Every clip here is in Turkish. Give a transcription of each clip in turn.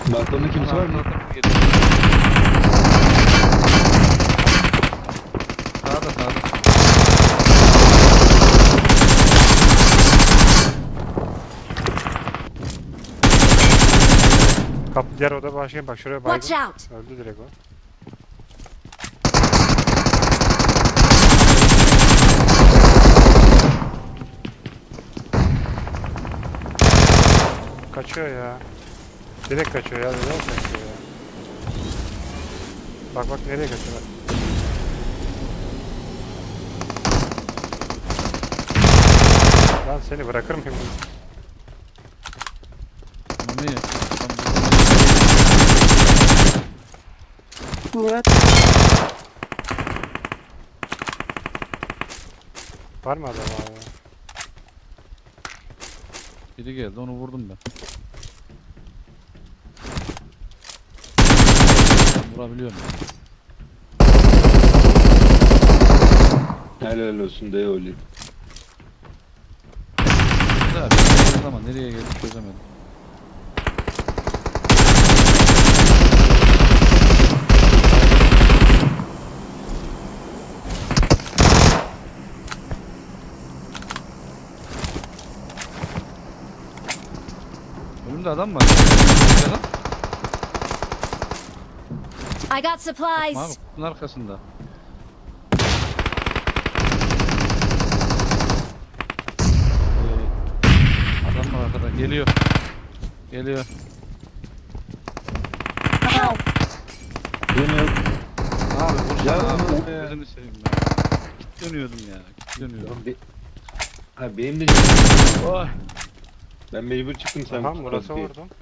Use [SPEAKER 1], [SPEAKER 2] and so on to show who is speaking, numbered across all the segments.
[SPEAKER 1] Balkonda kimse var mı?
[SPEAKER 2] Sağda sağda.
[SPEAKER 3] Kapı diğer oda başka, bak şuraya
[SPEAKER 4] Watch
[SPEAKER 3] baygın.
[SPEAKER 4] out!
[SPEAKER 3] Öldü direkt o. Kaçıyor ya. Direkt kaçıyor ya. Direkt kaçıyor ya. Bak bak nereye kaçıyor bak. Lan seni bırakır mıyım?
[SPEAKER 2] Mami.
[SPEAKER 5] Murat
[SPEAKER 3] Var mı adam abi?
[SPEAKER 2] Biri geldi onu vurdum ben. Vurabiliyorum.
[SPEAKER 1] Helal olsun dayı öyle.
[SPEAKER 2] Güzel bir şey ama nereye geldi çözemedim. Önümde adam var. Nerede lan?
[SPEAKER 4] I got
[SPEAKER 2] Abi
[SPEAKER 4] supplies!
[SPEAKER 2] kutunun arkasında. Adam var arkada. Geliyor. Geliyor.
[SPEAKER 1] Yine yok.
[SPEAKER 2] Abi vursana
[SPEAKER 1] Ya,
[SPEAKER 2] abi.
[SPEAKER 1] ya.
[SPEAKER 2] Gözünü seveyim ya. Dönüyordum ya. Dönüyordum.
[SPEAKER 1] Ha benim de
[SPEAKER 2] Oy.
[SPEAKER 1] ben mecbur çıktım sen.
[SPEAKER 3] Aha Murat'a
[SPEAKER 1] tutmaz diye.
[SPEAKER 3] vurdum.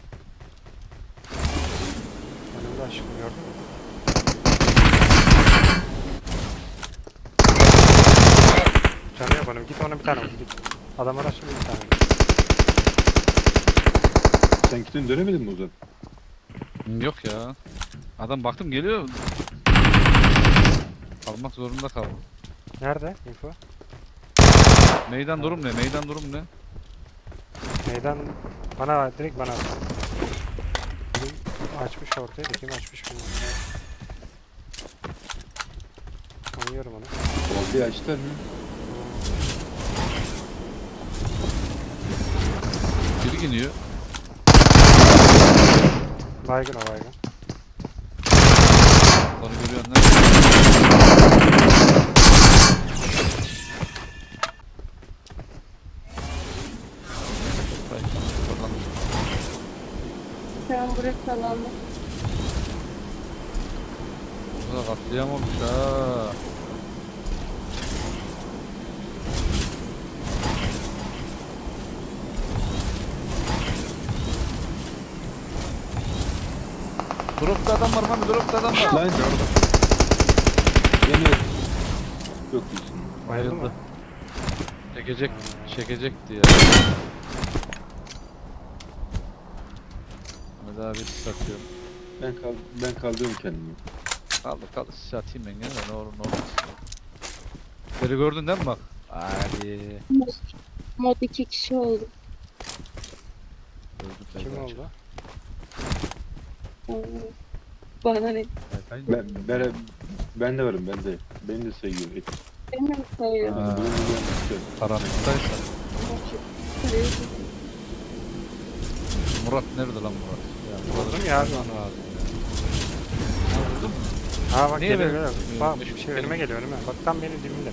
[SPEAKER 3] Önümde aşkım gördün mü? Canı yok onun. Git ona bir tane vur. Git. Adam araçlı bir tane vur.
[SPEAKER 1] Sen gittin dönemedin mi Ozan?
[SPEAKER 2] Yok ya. Adam baktım geliyor. Almak zorunda kaldım.
[SPEAKER 3] Nerede info?
[SPEAKER 2] Meydan durum ne? Meydan durum ne?
[SPEAKER 3] Meydan bana direkt bana at. Kim açmış ortaya da kim açmış bilmiyorum. Anlıyorum onu.
[SPEAKER 1] Ortaya açtılar mı?
[SPEAKER 2] Biri gidiyor.
[SPEAKER 3] Baygın o baygın.
[SPEAKER 2] Onu görüyorsun lan. Ay, oradan.
[SPEAKER 5] şu an buraya kalandı.
[SPEAKER 2] Bu da katliam olmuş ha. Dropta adam var mı? Dropta adam var.
[SPEAKER 1] Lan yine yok değilsin.
[SPEAKER 3] Bayıldı mı?
[SPEAKER 2] Çekecekti ya. Hadi abi satıyorum.
[SPEAKER 1] Ben kaldırıyorum kendimi.
[SPEAKER 2] Kaldı satayım ben gene de ne olur ne olmaz. Beni gördün değil mi bak? Hadi.
[SPEAKER 5] Mod 2 kişi oldu.
[SPEAKER 2] Gördüm ben
[SPEAKER 3] Kim
[SPEAKER 2] de.
[SPEAKER 3] oldu?
[SPEAKER 5] Bana ne?
[SPEAKER 1] Ben de varım ben de. Beni de sayıyor.
[SPEAKER 5] Beni mi sayıyor?
[SPEAKER 2] Ha.
[SPEAKER 1] Bunu yapmışlar.
[SPEAKER 2] Karanlıktaysa. Murat nerede lan Murat? Ya,
[SPEAKER 3] Vurdum ya abi.
[SPEAKER 2] Lazım ya. Ha, vurdun mu?
[SPEAKER 3] Ha bak
[SPEAKER 2] Niye
[SPEAKER 3] geliyor
[SPEAKER 2] ben-
[SPEAKER 3] geliyor. Bak
[SPEAKER 2] Benim-
[SPEAKER 3] bir şey önüme geliyor önüme. Bak tam benim dibimde.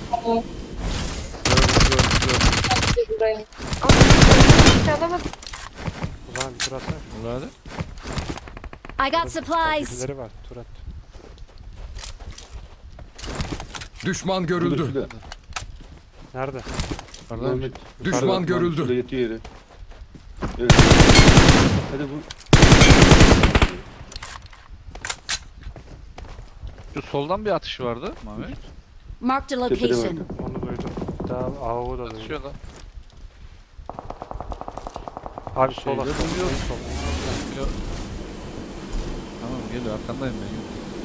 [SPEAKER 2] Gördüm.
[SPEAKER 5] Buraya. Çalamadım.
[SPEAKER 3] O zaman bir tur atsana.
[SPEAKER 2] Hadi.
[SPEAKER 4] I got supplies!
[SPEAKER 3] Birileri var. Tur at.
[SPEAKER 6] Düşman görüldü.
[SPEAKER 1] Şurada.
[SPEAKER 3] Nerede?
[SPEAKER 2] Kardeş.
[SPEAKER 1] Mehmet.
[SPEAKER 6] Düşman
[SPEAKER 1] Şurada
[SPEAKER 6] görüldü.
[SPEAKER 1] yatıyor yere. Evet. Hadi bu.
[SPEAKER 2] Şu soldan bir atış vardı Mami.
[SPEAKER 4] Marked a
[SPEAKER 1] Tepede
[SPEAKER 4] location.
[SPEAKER 1] vardı.
[SPEAKER 3] Onu duydum. Daha AO'u da duydum.
[SPEAKER 2] Atışıyor lan.
[SPEAKER 3] Abi sola.
[SPEAKER 2] Şeyleri
[SPEAKER 3] Sol.
[SPEAKER 2] duyuyor.
[SPEAKER 3] En sol.
[SPEAKER 2] Geliyor. Tamam geliyor arkandayım ben.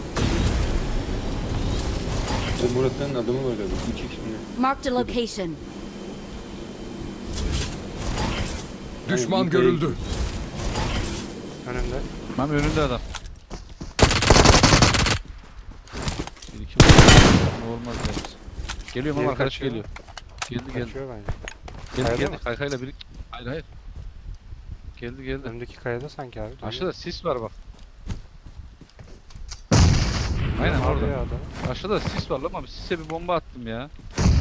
[SPEAKER 1] Bu Murat'ın adamı var galiba. 3 kişi mi?
[SPEAKER 4] Marked a location.
[SPEAKER 6] Düşman
[SPEAKER 1] Aynen,
[SPEAKER 6] görüldü.
[SPEAKER 3] Önünde.
[SPEAKER 2] Tamam önünde adam. Bir iki olmaz deriz. Geliyor ama
[SPEAKER 3] Diğeri
[SPEAKER 2] arkadaş
[SPEAKER 3] kaçıyor.
[SPEAKER 2] geliyor. Geldi.
[SPEAKER 3] Kaçıyor bence.
[SPEAKER 2] Geldi
[SPEAKER 3] Kayada
[SPEAKER 2] geldi.
[SPEAKER 3] mı?
[SPEAKER 2] Kaykayla bir. Hayır. Geldi.
[SPEAKER 3] Önündeki kayada sanki abi.
[SPEAKER 2] Aşağıda sis var bak. Aynen
[SPEAKER 3] Aynen
[SPEAKER 2] orada.
[SPEAKER 3] adam.
[SPEAKER 2] Aşağıda sis var lan ama sise bir bomba attım ya.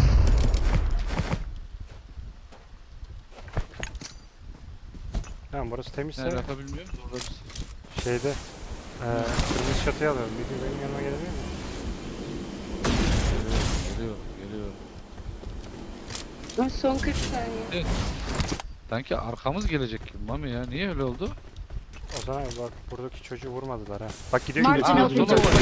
[SPEAKER 3] Tamam burası temizse
[SPEAKER 2] Ne alaka bilmiyorum da orada bir sis.
[SPEAKER 3] şeyde kırmızı çatıya alıyorum. Bir gün benim yanıma gelebilir mi?
[SPEAKER 2] Geliyor.
[SPEAKER 5] Ay, son 40 saniye.
[SPEAKER 2] Sanki arkamız gelecek gibi Mami ya. Niye öyle oldu?
[SPEAKER 3] O zaman bak buradaki çocuğu vurmadılar ha. Bak gidiyor
[SPEAKER 4] Marked
[SPEAKER 3] gidiyor.
[SPEAKER 4] an
[SPEAKER 2] Aa,
[SPEAKER 4] open
[SPEAKER 2] sola
[SPEAKER 4] door.
[SPEAKER 2] var.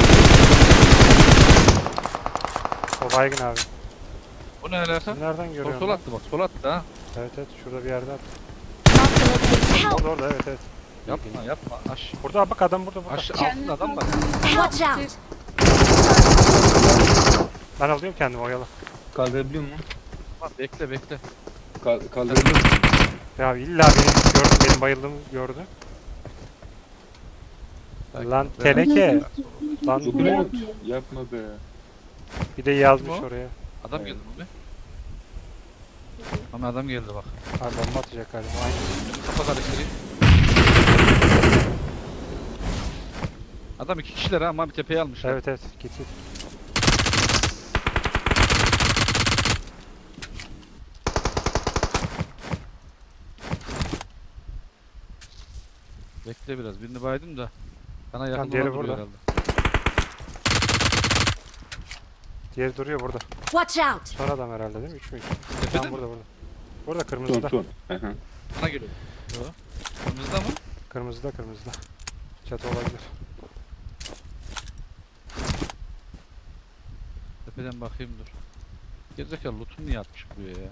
[SPEAKER 3] O baygın abi.
[SPEAKER 2] Bu ne alaka?
[SPEAKER 3] Siz nereden görüyorsun?
[SPEAKER 2] Sol
[SPEAKER 3] lan?
[SPEAKER 2] attı bak. Sol attı ha.
[SPEAKER 3] Evet şurada bir yerde at.
[SPEAKER 4] Marked a location. Help!
[SPEAKER 3] Orada evet.
[SPEAKER 2] Yapma. Aş.
[SPEAKER 3] Burada bak adam burada.
[SPEAKER 2] Altında adam var.
[SPEAKER 4] Watch out!
[SPEAKER 3] Ben alıyorum kendimi oyalı.
[SPEAKER 1] Kaldırabiliyor musun?
[SPEAKER 2] Tamam, bekle.
[SPEAKER 1] Kaldırabiliyor musun?
[SPEAKER 3] Ya illa beni gördü, benim bayıldığımı gördü. Lan teneke. Lan
[SPEAKER 1] Umut yapma be.
[SPEAKER 3] bir de yazmış
[SPEAKER 2] Kim o?
[SPEAKER 3] oraya.
[SPEAKER 2] Adam geldi mi? Ama adam geldi bak.
[SPEAKER 3] Abi bomba atacak galiba. Aynen.
[SPEAKER 2] Kafa karıştırayım. Adam 2 kişiler ha ama bir tepeye almışlar.
[SPEAKER 3] Evet git.
[SPEAKER 2] Bekle biraz. Birini baydım da. Bana yakın
[SPEAKER 3] diğeri
[SPEAKER 2] olan duruyor
[SPEAKER 3] burada.
[SPEAKER 2] herhalde.
[SPEAKER 3] Diğeri duruyor burada.
[SPEAKER 4] Watch out!
[SPEAKER 3] Son adam herhalde değil mi? 3 mü?
[SPEAKER 2] Tepede
[SPEAKER 3] Tamam
[SPEAKER 2] mi?
[SPEAKER 3] burada. Burada kırmızıda.
[SPEAKER 1] Son. Aha.
[SPEAKER 2] Bana geliyor. Yo. Kırmızıda mı?
[SPEAKER 3] Kırmızıda. Çatı olabilir.
[SPEAKER 2] Tepeden bakayım dur. Gerizekalı loot'unu niye atmış buraya ya?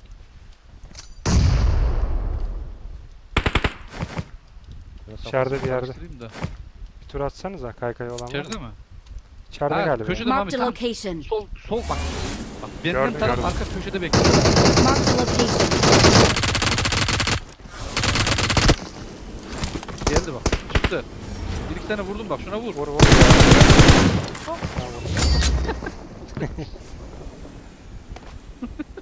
[SPEAKER 2] Biraz
[SPEAKER 3] İçeride
[SPEAKER 2] kafasını
[SPEAKER 3] bir yerde.
[SPEAKER 2] karıştırayım da.
[SPEAKER 3] Bir tur atsanıza kaykay olan var
[SPEAKER 2] İçeride
[SPEAKER 3] mı?
[SPEAKER 2] mi?
[SPEAKER 3] İçeride
[SPEAKER 2] Ha,
[SPEAKER 3] galiba.
[SPEAKER 2] köşede. Tamam,
[SPEAKER 4] Marked a
[SPEAKER 2] tamam.
[SPEAKER 4] location.
[SPEAKER 2] Sol bak. Bak benden
[SPEAKER 3] Gördüm,
[SPEAKER 2] taraf
[SPEAKER 3] gördüm.
[SPEAKER 2] arka köşede bekliyor.
[SPEAKER 4] Marked a location.
[SPEAKER 2] Geldi bak. Çıktı. Bir iki tane vurdum bak şuna vur.
[SPEAKER 3] Vur. Tamam, vur.